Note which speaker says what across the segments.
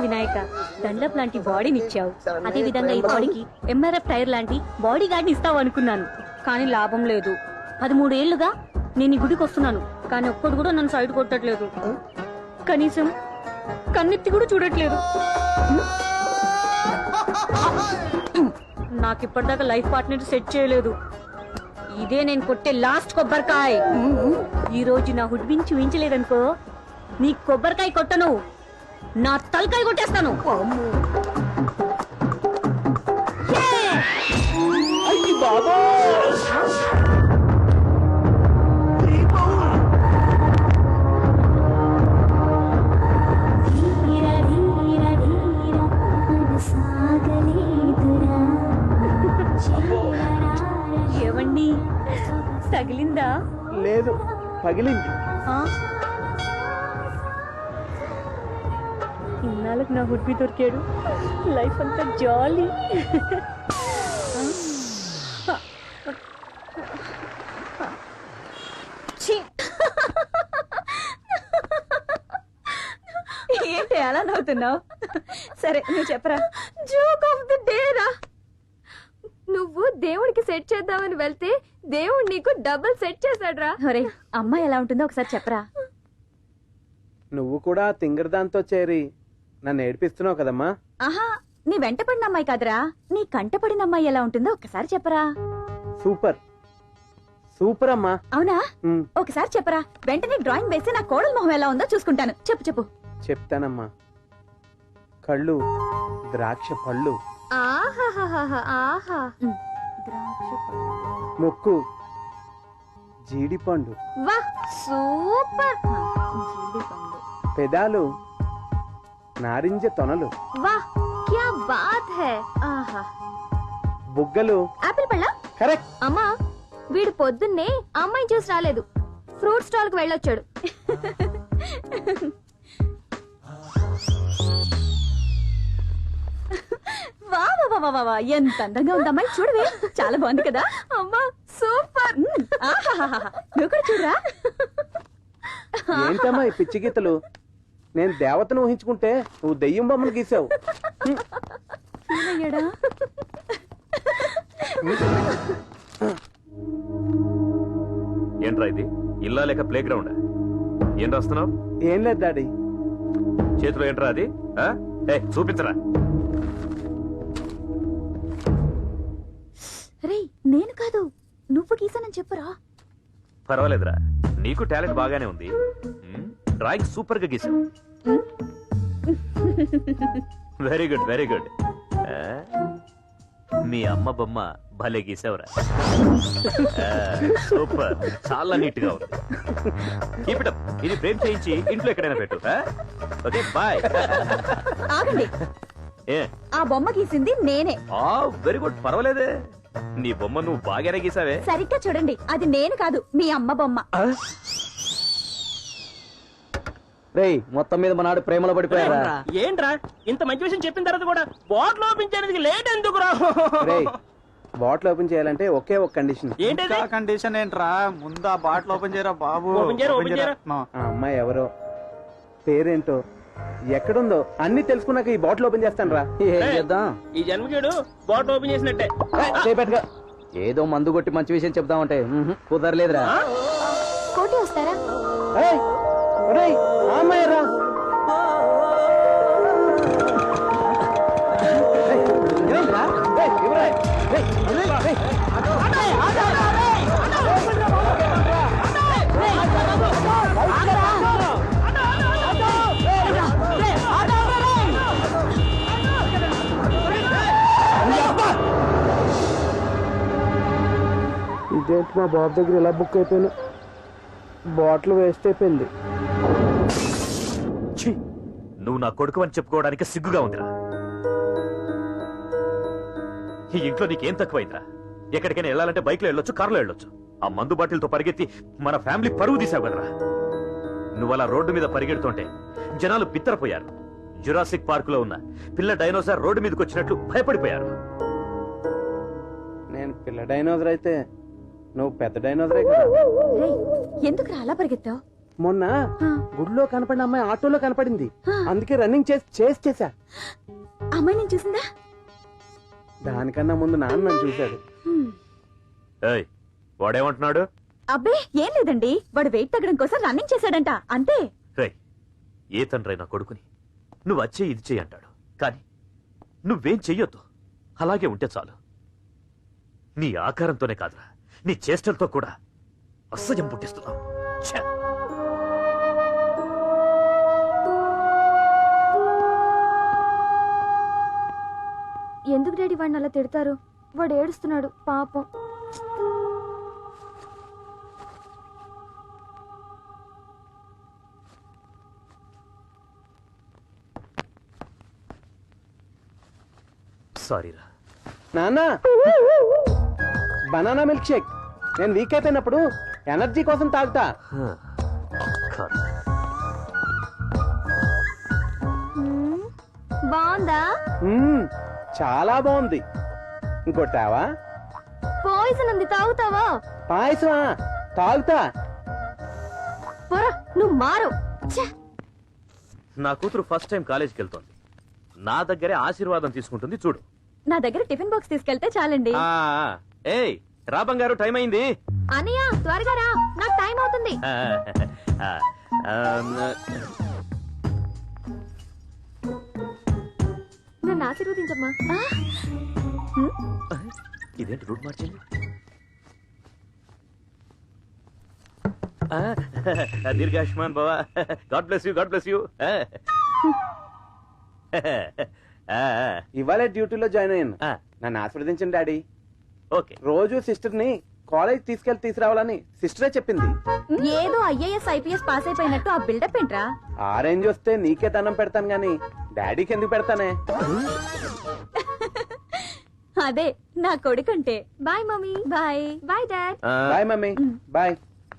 Speaker 1: వినాయక. దండప్ లాంటి బాడీని ఇచ్చావు, అదే విధంగా ఈ బాడీకి ఎంఆర్ఎఫ్ టైర్ లాంటి బాడీ గార్డ్ని ఇస్తావు అనుకున్నాను, కానీ లాభం లేదు. 13 ఏళ్లుగా నేను ఈ గుడికి వస్తున్నాను, కానీ ఒక్కడు కూడా నన్ను సైడ్ కొట్టట్లేదు. కనీసం కన్నెత్తి కూడా చూడట్లేదు. నాకు ఇప్పటిదాకా లైఫ్ పార్ట్నర్ సెట్ చేయలేదు. ఇదే నేను కొట్టే లాస్ట్ కొబ్బరికాయ. ఈ రోజు నా హుడ్బిన్ చూయించలేదనుకో, నీ కొబ్బరికాయ కొట్టను, నా తలకాయ కొట్టేస్తాను. ఏవండి, తగిలిందా?
Speaker 2: లేదు, పగిలింది.
Speaker 1: ఇన్నాళ్ళకి నా హుడ్బి దొరికాడు. లైఫ్ అంతా జాలీ. ఏంటి అలా నవ్వుతున్నావు? సరే నువ్వు చెప్పరా.
Speaker 3: జోక్ ఆఫ్ ది డే రా. నువ్వు దేవుడికి సెట్ చేద్దామని వెళ్తే దేవుడు నీకు డబుల్ సెట్ చేశాడు రా.
Speaker 1: ఒరే, అమ్మాయి ఎలా ఉంటుందో ఒకసారి చెప్పరా.
Speaker 2: నువ్వు కూడా తింగరదాంతో చేరి నన్ను ఏడిపిస్తున్నావు కదమ్మా.
Speaker 1: ఆహా, నీ వెంట పడిన అమ్మాయి కాదురా, నీ కంట పడిన అమ్మాయి ఎలా ఉంటుందో ఒకసారి చెప్పరా.
Speaker 2: సూపర్ సూపర్ అమ్మా.
Speaker 1: అవునా? ఒకసారి చెప్పరా. వెంటనే డ్రాయింగ్ వేసి నా కోడల మొహం ఎలా ఉందో చూసుకుంటాను. చెప్పు చెప్పు.
Speaker 2: చెప్తానమ్మా. కళ్ళు ద్రాక్ష పళ్ళు,
Speaker 3: ఆహా,
Speaker 2: ముక్కు జీడిపండు,
Speaker 3: వా సూపర్.
Speaker 2: పెదాలు నారింజ తొనలు,
Speaker 3: వా క్యా బాత్ హై. ఆహా,
Speaker 2: బుగ్గలు
Speaker 3: ఆపిల్ పళ్ళ.
Speaker 2: కరెక్ట్.
Speaker 3: అమ్మా, వీడు పొద్దున్నే అమ్మాయి చూసి రాలేదు, ఫ్రూట్ స్టాల్ కి వెళ్ళొచ్చాడు.
Speaker 1: వా వా వా వా వా, ఎంత అందంగా ఉంది అమ్మాయి. చూడవే, చాలా బాగుంది కదా.
Speaker 3: అమ్మా సూపర్.
Speaker 1: నువ్వు కూడా చూడరా.
Speaker 2: ఏంటమ్మా ఈ పిచ్చి గీతలు? నేను దేవతను ఊహించుకుంటే నువ్వు దెయ్యం బొమ్మను గీసావు.
Speaker 1: అయ్యాడా?
Speaker 4: ఏంట్రా ఇది? ఇల్లా లేక ప్లే గ్రౌండ్? ఏం రాస్తున్నావు?
Speaker 2: ఏం లేదు డాడీ.
Speaker 4: చేతిలో ఏంట్రా అది? చూపించరా.
Speaker 1: రే, నేను కాదు, నువ్వు గీసానని చెప్పురా.
Speaker 4: పర్వాలేదురా, నీకు టాలెంట్ బాగానే ఉంది. డ్రాయింగ్ సూపర్ గా గీసావు. Very good very good. మీ అమ్మ బొమ్మ భలే గీసావురా. సూపర్, చాలా నీట్ గా ఉంది. Keep it up. ఇది ఫ్రేమ్ చేయించి ఇంట్లో ఎక్కడైనా పెట్టు. Okay bye.
Speaker 1: ఆగండి, ఆ బొమ్మ గీసింది నేనే.
Speaker 4: వెరీ గుడ్, పర్వాలేదే. నీ బొమ్మ నువ్వు బాగానే గీసావే.
Speaker 1: సరిగ్గా చూడండి, అది నేను కాదు, మీ అమ్మ బొమ్మ.
Speaker 2: రేయ్, మొత్తం మీద మనాడు ప్రేమలో పడిపోయారా?
Speaker 5: ఏంట్రా ఇంత మంచి విషయం చెప్పిన తర్వాత కూడా బాటిల్ ఓపెన్ చేయడానికి లేట్ ఎందుకు రా?
Speaker 2: రేయ్, బాటిల్ ఓపెన్ చేయాలంటే ఒకే ఒక కండిషన్.
Speaker 5: ఏంటి
Speaker 6: కండిషన్? ఏంట్రా, ముందు ఆ బాటిల్ ఓపెన్ చేయరా బాబు.
Speaker 5: ఓపెన్ చేయరా.
Speaker 2: ఆ అమ్మాయి ఎవరో, పేరేంటో, ఎక్కడుందో అన్ని తెలుసుకున్నాక ఈ బాటిల్ ఓపెన్ చేస్తాను రా.
Speaker 5: ఈ జన్మకేడు బాటిల్ ఓపెన్ చేసినట్టే.
Speaker 6: ఏదో మందు కొట్టి మంచి విషయం చెప్దామంటే కుదరలేదురా.
Speaker 3: కోటి వస్తారా?
Speaker 2: అమ్మాయి రా. ఇదేంటి మా బాబు దగ్గర ఇలా బుక్ అయిపోయాను. బాటిల్ వేస్ట్ అయిపోయింది.
Speaker 4: నువ్వు నా కొడుకు అని చెప్పుకోవడానికి సిగ్గుగా ఉందిరా. ఈ ఇంట్లో నీకేం తక్కువైందిరా? ఎక్కడికైనా వెళ్ళాలంటే బైక్ లో వెళ్ళొచ్చు, కారులో వెళ్ళొచ్చు. ఆ మందు బాటిల్తో పరిగెత్తి మన ఫ్యామిలీ పరువు తీసావు కదరా. నువ్వు అలా రోడ్డు మీద పరిగెడుతుంటే జనాలు బిత్తరపోయారు. జురాసిక్ పార్క్ లో ఉన్న పిల్ల డైనోసార్ రోడ్డు మీదకి వచ్చినట్లు భయపడిపోయారు.
Speaker 2: నేను పిల్ల డైనోసర్ అయితే నువ్వు పెద్ద డైనోసరే కదా.
Speaker 1: ఎందుకు అలా పరిగెత్తావు?
Speaker 2: మొన్న గుడిలో కనపడిన అమ్మాయి ఆటోలో కనపడింది, అందుకే రన్నింగ్ చేసా.
Speaker 3: అమ్మాయి నేను చూసిందా?
Speaker 2: దానికన్నా ముందు నాన్న నన్ను చూశాడు.
Speaker 4: ఏయ్, వాడేమంటున్నాడు?
Speaker 3: అబ్బే ఏం లేదండి, వాడు వెయిట్ తగ్గడం కోసం రన్నింగ్ చేశాడంట, అంతే.
Speaker 4: రేయ్, ఏ తండ్రి నా కొడుకుని నువ్వు వచ్చే ఇది చెయ్యి అంటాడు, కానీ నువ్వేం చెయ్యొద్దు. అలాగే ఉంటే చాలు. నీ ఆకారంతోనే కాదురా, నీ చేష్టలతో కూడా అసహ్యం పుట్టిస్తున్నావు. ఛే!
Speaker 3: ఎందుకు డాడీ వాడిని అలా తిడతారు? వాడు ఏడుస్తున్నాడు పాపం.
Speaker 4: సారీరా.
Speaker 2: నాన్న, బనానా మిల్క్ షేక్. నేను వీక్ అయిపోయినప్పుడు ఎనర్జీ కోసం తాగుతా.
Speaker 4: కాదు.
Speaker 3: బాగుందా?
Speaker 2: చాలా బాగుంది. ఇంకొట్టావా?
Speaker 3: పాయిజన్ ఉంది, తాగుతావా?
Speaker 2: పాయసమా? తాగుతా.
Speaker 3: పోరా, నువ్వు మారు. ఛే!
Speaker 4: నా కూతురు ఫస్ట్ టైం కాలేజీకి వెళ్తోంది. నా దగ్గరే ఆశీర్వాదం తీసుకుంటుంది చూడు.
Speaker 3: నా దగ్గర టిఫిన్ బాక్స్ తీసుకెళ్తే చాలండి.
Speaker 4: ఏయ్, రా బంగారు, టైం అయింది.
Speaker 3: అన్నయ్య త్వరగా రా, నాకు టైం అవుతుంది. నన్ను ఆశీర్వదించమ్మా.
Speaker 4: ఇదేంటి రూట్ మార్చింది? దీర్ఘాయుష్మాన్ బావా, God bless you, God bless you.
Speaker 2: ఇవాళ డ్యూటీలో జాయిన్ అయ్యాను. నన్ను ఆశీర్వదించండి డాడీ.
Speaker 4: ఓకే.
Speaker 2: రోజు సిస్టర్ ని కాలేజ్ తీసుకురావాలని సిస్టరే చెప్పింది.
Speaker 3: ఏదో ఐఏఎస్ ఐపీఎస్ పాస్ అయిపోయినట్టు ఆ బిల్డప్ ఏంట్రా?
Speaker 2: ఆ రేంజ్ వస్తే నీకే దండం పెడతాను గాని డాడీకి ఎందుకు పెడతానే?
Speaker 3: అదే నా కొడుకంటే. Bye mummy. Bye bye dad.
Speaker 2: Bye mummy. Bye.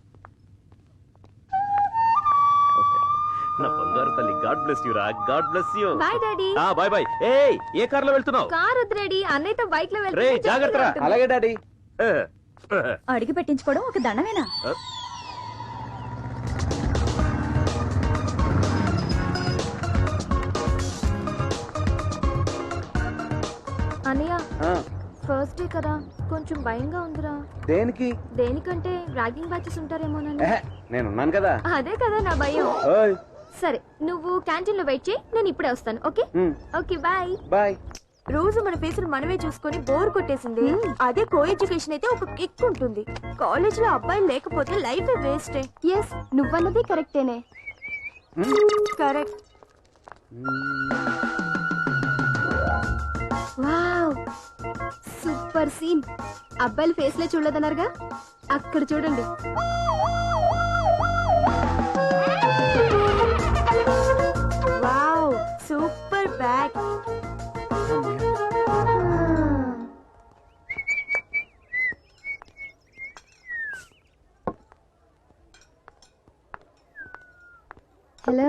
Speaker 4: నా బంగారు తల్లి, గాడ్ బ్లెస్ యూ రా, God bless you.
Speaker 3: Bye daddy.
Speaker 4: Bye bye. ఏయ్, ఏ కార్ లో వెళ్తున్నావు?
Speaker 3: కార్ వద్దు డాడీ, అన్నయ్యతో బైక్ లో
Speaker 4: రేయ్, జాగ్రత్త రా.
Speaker 2: అలాగే డాడీ.
Speaker 3: అడిగి పెట్టించుకోవడం ఒక దండమేనా? అన్నయ్య, ఫస్ట్ డే కదా, కొంచెం భయంగా ఉందిరా.
Speaker 2: దేనికి?
Speaker 3: దేనికంటే ర్యాగింగ్ బ్యాచెస్ ఉంటారేమోనని.
Speaker 2: నేనున్నాను కదా.
Speaker 3: అదే కదా నా భయం.
Speaker 2: ఓయ్.
Speaker 3: సరే, నువ్వు క్యాంటీన్ లో వెయిట్ చేయి, నేను ఇప్పుడే వస్తాను. Okay okay bye.
Speaker 2: బాయ్.
Speaker 3: రోజు మన ఫేసులు మనమే చూసుకొని బోర్ కొట్టేసింది. అదే కో ఎడ్యుకేషన్ అయితే ఒక కిక్ ఉంటుంది. కాలేజ్ లో అబ్బాయిలు లేకపోతే లైఫ్ వేస్ట్. ఎస్, నువ్వన్నది కరెక్టేనే. కరెక్ట్. Wow, super scene. అబ్బాయిల ఫేస్ లే చూడలేదన్నారుగా, అక్కడ చూడండి. Wow, super bag. హలో,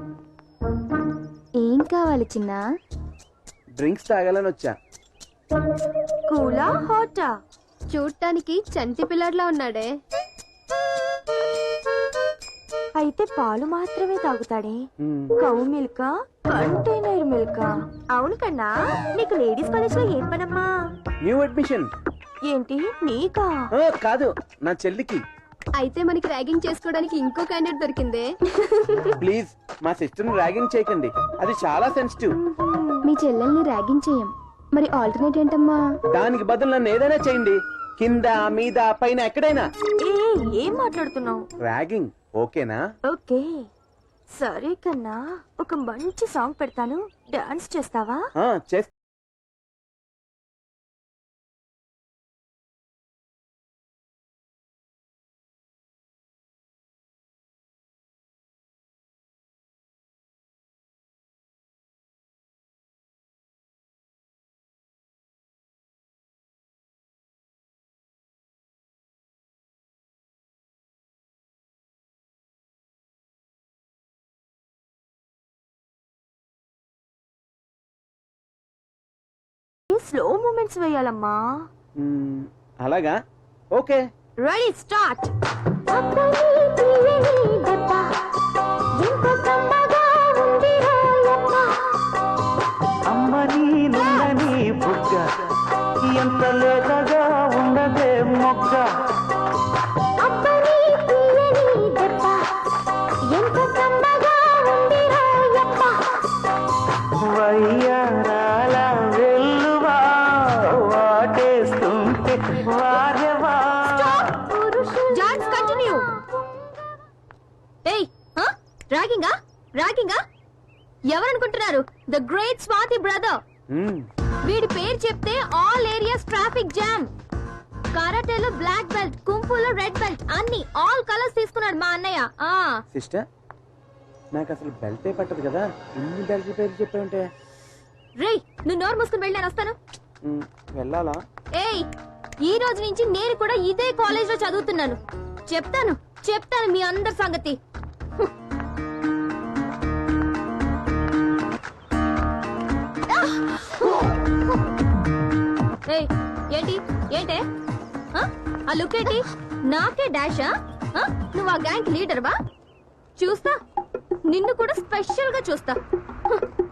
Speaker 3: ఏం కావాలి చిన్న?
Speaker 2: డ్రింక్స్ తాగాలని వచ్చా.
Speaker 3: కూలా హాటా?
Speaker 7: చూడటానికి చంటి పిల్లడ్లా ఉన్నాడే.
Speaker 3: అయితే పాలు మాత్రమే తాగుతాడే. Cow milk, container milk. అవును కన్నా, నీకు లేడీస్ కాలేజ్ లో ఏం పనమ్మా?
Speaker 2: New admission.
Speaker 3: ఏంటి నీకా?
Speaker 2: కాదు, నా చెల్లికి.
Speaker 7: అయితే మనకి ర్యాగింగ్ చేసుకోవడానికి ఇంకో క్యాండిడేట్ దొరికిందే.
Speaker 2: ప్లీజ్ మా సిస్టర్ ని ర్యాగింగ్ చేయకండి, అది చాలా సెన్సిటివ్.
Speaker 7: మీ చెల్లెల్ని ర్యాగింగ్ చేయం, మరి ఆల్టర్నేట్ ఏంటమ్మా?
Speaker 2: దానికి బదులు నన్ను ఏదైనా చేయండి, కింద మీద పైన ఎక్కడైనా.
Speaker 3: ఏం మాట్లాడుతున్నావు?
Speaker 2: ర్యాగింగ్ ఓకేనా?
Speaker 3: ఓకే సరే కన్నా, ఒక మంచి సాంగ్ పెడతాను, డాన్స్ చేస్తావా?
Speaker 2: చేస్తా.
Speaker 3: స్లో మూమెంట్స్ వేయాలమ్మా.
Speaker 2: అలాగా, okay.
Speaker 3: Ready start. Dance continue. ఏయ్ ర్యాగింగా ర్యాగింగా ఎవరనుకుంటున్నారు? The great Swathi brother. వీడి పేరు చెప్తే ఆల్ ఏరియాస్ ట్రాఫిక్ జామ్. కరాటేలో బ్లాక్ బెల్ట్, కుంఫులో రెడ్ బెల్ట్, అన్ని ఆల్ కలర్స్ తీసుకున్నాడు మా అన్నయ్య.
Speaker 2: సిస్టర్ నాకు అసలు బెల్టే పట్టదు కదా, ఇన్ని బెల్ట్ పేరు చెప్పావంటే.
Speaker 3: రేయ్ నువ్వు నోరు మూసుకుని వెళ్ళి నేను వస్తాను.
Speaker 2: వెళ్ళాలా?
Speaker 3: ఏయ్ ఈ రోజు నుంచి నేను కూడా ఇదే కాలేజ్ లో చదువుతున్నాను. చెప్తాను చెప్తాను మీ అందరి సంగతి. ఏయ్ ఏంటి ఏంటే ఆ లుక్ ఏంటి? నాకే డాషా? నువ్వు ఆ గ్యాంగ్ లీడర్ వా? చూస్తా, నిన్ను కూడా స్పెషల్ గా చూస్తా.